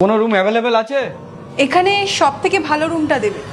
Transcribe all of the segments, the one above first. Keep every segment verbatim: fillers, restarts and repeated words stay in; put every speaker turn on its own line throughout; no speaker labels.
কোনো room available আছে?
এখানে সব থেকে ভালো রুমটা দেবে।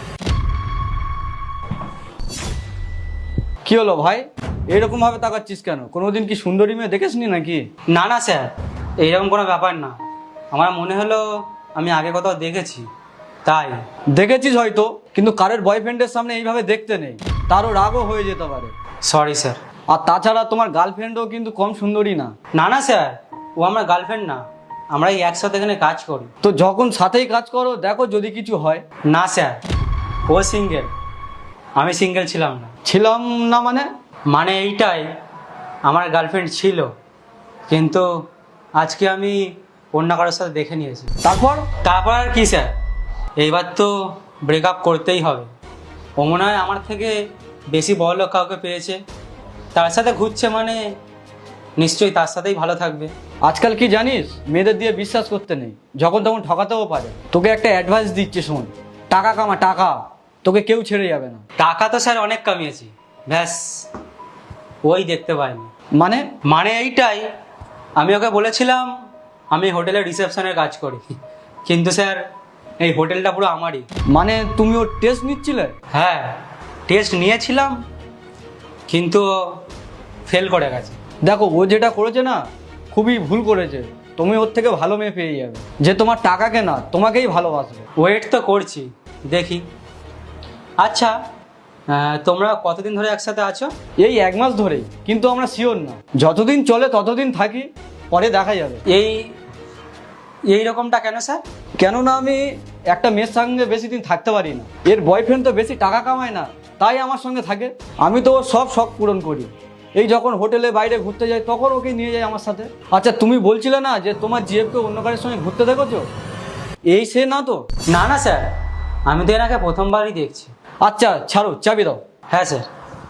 কি হলো ভাই, এরকম ভাবে তাকাচ্ছিস কেন? কোনোদিন কি সুন্দরী মেয়ে দেখেসনি নাকি?
না না স্যার, এইরকম কোনো ব্যাপার না। আমার মনে হলো আমি আগে কোথাও দেখেছি, তাই।
দেখেছিস হয়তো, কিন্তু কারের বয়ফ্রেন্ডের সামনে এইভাবে দেখতে নেই, তারও রাগও হয়ে যেতে পারে।
Sorry sir.
আর তাছাড়া তোমার গার্লফ্রেন্ডও কিন্তু কম সুন্দরী না।
না না স্যার, ও আমার গার্লফ্রেন্ড না, আমরা এই একসাথে এখানে কাজ করি।
তো যখন সাথেই কাজ করো, দেখো যদি কিছু হয়।
না স্যার, ও সিঙ্গেল, আমি সিঙ্গেল ছিলাম না।
ছিলাম না মানে?
মানে এইটাই, আমার গার্লফ্রেন্ড ছিল, কিন্তু আজকে আমি অন্য কারোর সাথে দেখে নিয়েছি।
তারপর?
তারপর আর কি স্যার, এইবার তো ব্রেকআপ করতেই হবে। ও মনে হয় আমার থেকে বেশি বড়লোক কাউকে পেয়েছে, তার সাথে ঘুরছে, মানে নিশ্চয়ই তার সাথেই ভালো থাকবে।
আজকাল কি জানিস, মেয়েদের দিয়ে বিশ্বাস করতে নেই, যখন তখন ঠকাতেও পারে। তোকে একটা অ্যাডভাইস দিচ্ছে, শোন, টাকা কামা টাকা, তোকে কেউ ছেড়ে যাবে না।
টাকা তো স্যার অনেক কামিয়েছি, ব্যাস ওই দেখতে পাইনি।
মানে?
মানে এইটাই, আমি ওকে বলেছিলাম আমি হোটেলের রিসেপশনের কাজ করি, কিন্তু স্যার এই হোটেলটা পুরো আমারই।
মানে তুমি ওর টেস্ট নিচ্ছিলে?
হ্যাঁ, টেস্ট নিয়েছিলাম, কিন্তু ফেল করে গেছে।
দেখো, ও যেটা করেছে না, খুবই ভুল করেছে। তুমি ওর থেকে ভালো মেয়ে পেয়ে যাবে, যে তোমার টাকাকে না, তোমাকেই ভালোবাসবে।
ওয়েট তো করছি, দেখি। আচ্ছা, আহ, তোমরা কতদিন ধরে একসাথে আছো?
এই এক মাস ধরেই, কিন্তু আমরা শিওর না। যতদিন চলে ততদিন থাকি, পরে দেখা যাবে।
এই এই রকমটা কেন স্যার?
কেননা আমি একটা মেয়ের সঙ্গে বেশি দিন থাকতে পারি না। এর বয়ফ্রেন্ড তো বেশি টাকা কামায় না, তাই আমার সঙ্গে থাকে। আমি তো ওর সব শখ পূরণ করি। এই যখন হোটেলে বাইরে ঘুরতে যাই, তখন ওকে নিয়ে যাই আমার সাথে। আচ্ছা, তুমি বলছিলে না যে তোমার জিএফকে অন্য কারের সঙ্গে ঘুরতে দেখেছো? এই সে না তো?
না না স্যার, আমি তো এনাকে প্রথমবারই দেখছি।
আচ্ছা ছাড়ো, চাবি দাও।
হ্যাঁ স্যার,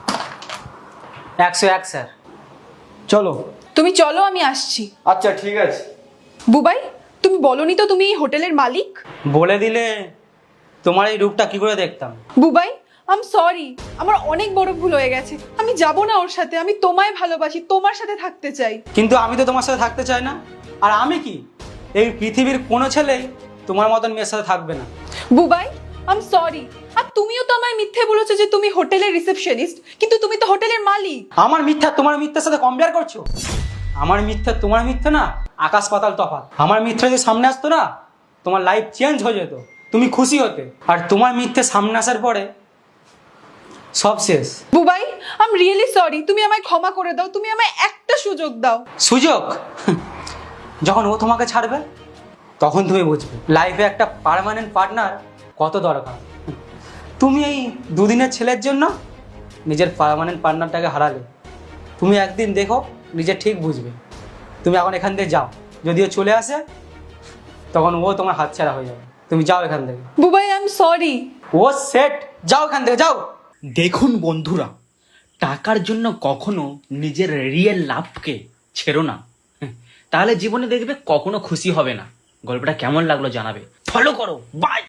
একশো এক স্যার।
চলো।
তুমি চলো, আমি আসছি।
আচ্ছা ঠিক আছে।
বুবাই, তুমি বলনি তো তুমি এই হোটেলের মালিক?
বলে দিলে তোমার এই রূপটা কি করে দেখতাম।
বুবাই, আম সরি, আমার অনেক বড় ভুল হয়ে গেছে। আমি যাব না ওর সাথে, আমি তোমায় ভালোবাসি, তোমার সাথে থাকতে চাই।
কিন্তু আমি তো তোমার সাথে থাকতে চাই না। আর আমি কি, এই পৃথিবীর কোনো ছেলেই তোমার মতন মেয়ের সাথে থাকবে না।
বুবাই, আম সরি। আর তুমিও তো আমায় মিথ্যে বলেছো যে তুমি হোটেলের রিসেপশনিস্ট, কিন্তু তুমি তো হোটেলের মালিক।
আমার মিথ্যা তোমার মিথ্যার সাথে কম্পেয়ার করছো? আমার মিথ্যা তোমার মিথ্যা না, আকাশ পাতাল তফাৎ। আমার মিথ্যা যদি সামনে আসতো না, তোমার লাইফ চেঞ্জ হয়ে যেত, তুমি খুশি হতে। আর তোমার মিথ্যে সামনে আসার পরে সব শেষ।
বুবাই, আম রিয়েলি সরি, তুমি আমায় ক্ষমা করে দাও, তুমি আমায় একটা সুযোগ দাও।
সুযোগ? যখন ও তোমাকে ছাড়বে তখন তুমি বুঝবে লাইফে একটা পার্মানেন্ট পার্টনার কত দরকার। তুমি এই দুদিনের ছেলের জন্য নিজের পার্মানেন্ট পার্টনারটাকে হারালে। তুমি একদিন দেখো, নিজে ঠিক বুঝবে। তুমি এখন এখান থেকে যাও, যদিও চলে আসে তখন ও তোমার হাতছাড়া হয়ে যাবে। তুমি যাও এখান থেকে।
Bubai, I am sorry.
ও সেট, যাও এখান থেকে, যাও।
দেখুন বন্ধুরা, টাকার জন্য কখনো নিজের রিয়েল লাভকে ছেড়ো না, তাহলে জীবনে দেখবে কখনো খুশি হবে না। গল্পটা কেমন লাগলো জানাবে, ফলো করো, বাই।